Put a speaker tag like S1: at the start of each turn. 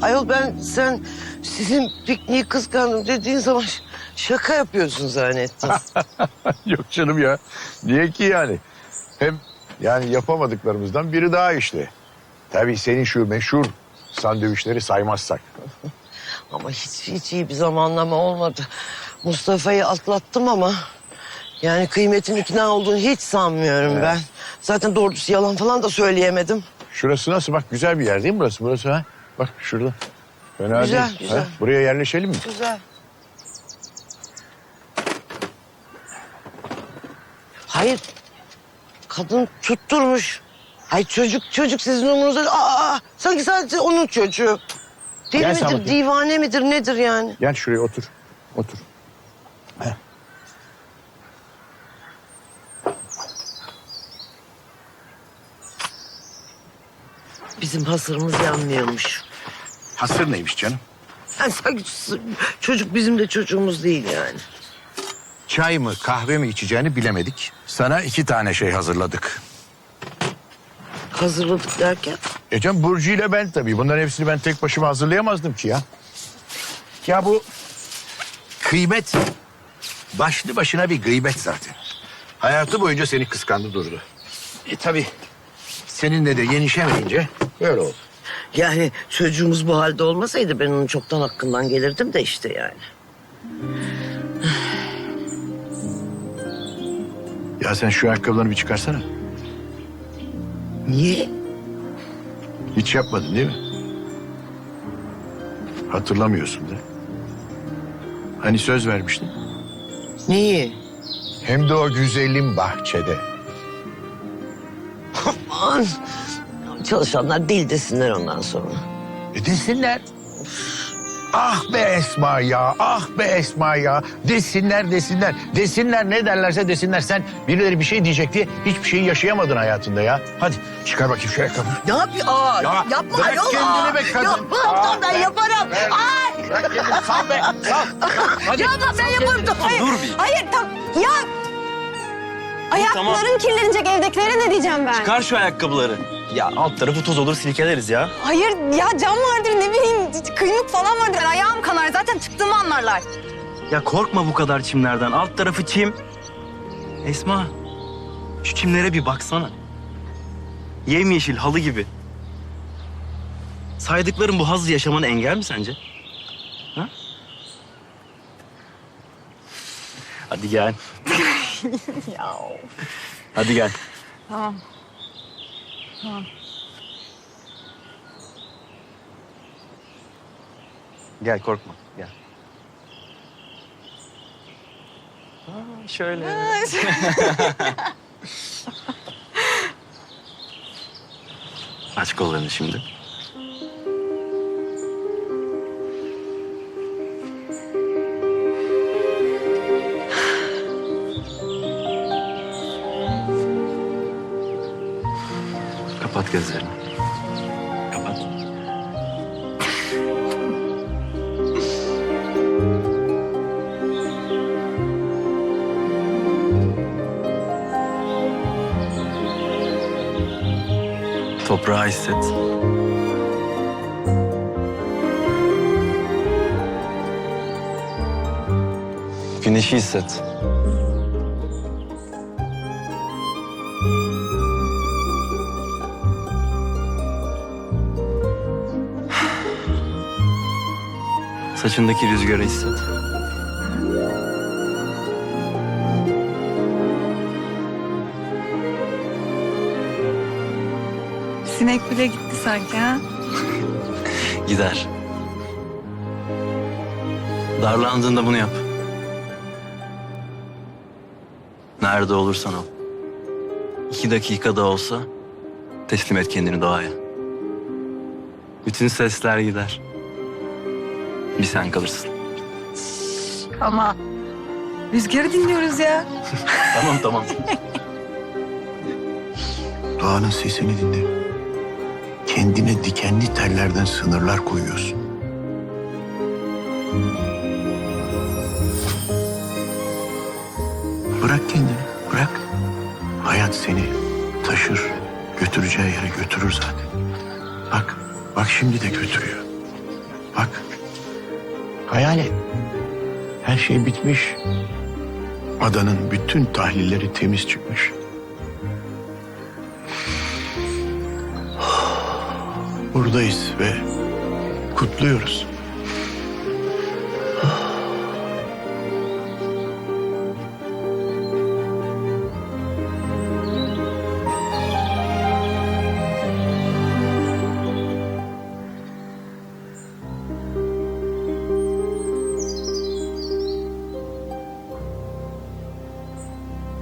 S1: Ayol sen sizin pikniği kıskandım dediğin zaman şaka yapıyorsun zannettim.
S2: Yok canım ya. Niye ki yani? Hem yani yapamadıklarımızdan biri daha işte. Tabii senin şu meşhur sandviçleri saymazsak.
S1: Ama hiç iyi bir zamanlama olmadı. Mustafa'yı atlattım ama yani kıymetin ikna olduğunu hiç sanmıyorum ben. Zaten doğrusu yalan falan da söyleyemedim.
S2: Şurası nasıl? Bak güzel bir yer değil mi burası ha? Bak şurada. Fena
S1: Güzel,
S2: değil.
S1: güzel.
S2: Ha? Buraya yerleşelim mi?
S1: Güzel. Hayır. Kadın tutturmuş. Ay çocuk sizin umurunuzda. Sanki sadece onun çocuğu. Deli
S2: Gel sen
S1: midir,
S2: bakayım.
S1: divane midir, nedir yani?
S2: Gel şuraya otur. Otur. Heh.
S1: Bizim hasırımız yanmıyormuş.
S2: Hasır neymiş canım?
S1: Yani sanki çocuk bizim de çocuğumuz değil yani.
S2: Çay mı kahve mi içeceğini bilemedik. Sana 2 tane şey hazırladık.
S1: Hazırladık derken.
S2: Canım Burcu ile ben tabii. Bunların hepsini ben tek başıma hazırlayamazdım ki ya. Ya bu kıymet başlı başına bir gıybet zaten. Hayatı boyunca seni kıskandı durdu. Tabii seninle de yenişemeyince böyle oldu.
S1: Yani çocuğumuz bu halde olmasaydı ben onun çoktan hakkından gelirdim de işte yani.
S2: Ya sen şu ayakkabılarını bir çıkarsana.
S1: Niye?
S2: Hiç yapmadın değil mi? Hatırlamıyorsun da. Hani söz vermiştin?
S1: Neyi?
S2: Hem de o güzelim bahçede.
S1: Aman. Çalışanlar deli desinler ondan sonra.
S2: Desinler. Ah be Esma ya, ah be Esma ya. Desinler. Desinler ne derlerse desinler. Sen birileri bir şey diyecek diye hiçbir şeyi yaşayamadın hayatında ya. Hadi çıkar bakayım şu ayakkabını.
S1: Ne yapıyor?
S2: Ya,
S1: yapma
S2: bırak
S1: ayol.
S2: kendini be kadın.
S1: Yapmam ben yaparım.
S2: Bırak kendini sal be, sal. Hadi.
S1: Yapma ben yaparım. Hayır.
S3: Dur bir.
S4: Hayır ya ayakların kirlenecek, evdekilere ne diyeceğim ben?
S3: Çıkar şu ayakkabıları. Ya alt tarafı toz olur silkeleriz ya.
S4: Hayır ya cam vardır ne bileyim kıymık falan vardır. Ayağım kanar zaten çıktığımı anlarlar.
S3: Ya korkma bu kadar çimlerden. Alt tarafı çim. Esma, şu çimlere bir baksana. Yemyeşil halı gibi. Saydıklarım bu hazzı yaşamana engel mi sence? Ha? Hadi gel.
S4: Ya
S3: Hadi gel.
S4: tamam.
S3: Gel korkma. Gel. Aa, şöyle. Aç kollarını şimdi. Kapat gözlerini. Kapat. Toprağı hisset. Güneşi hisset. Saçındaki rüzgarı hisset.
S4: Sinek bile gitti sanki ha.
S3: Gider. Darlandığında bunu yap. Nerede olursan ol. 2 dakikada olsa teslim et kendini doğaya. Bütün sesler gider. Bir sen kalırsın.
S4: Ama rüzgarı dinliyoruz ya.
S3: Tamam.
S2: Doğanın sesini dinle. Kendine dikenli tellerden sınırlar koyuyorsun. Bırak kendini, bırak. Hayat seni taşır, götüreceği yere götürür zaten. Bak şimdi de götürüyor. Hayal et. Her şey bitmiş. Adanın bütün tahlilleri temiz çıkmış. Buradayız ve kutluyoruz.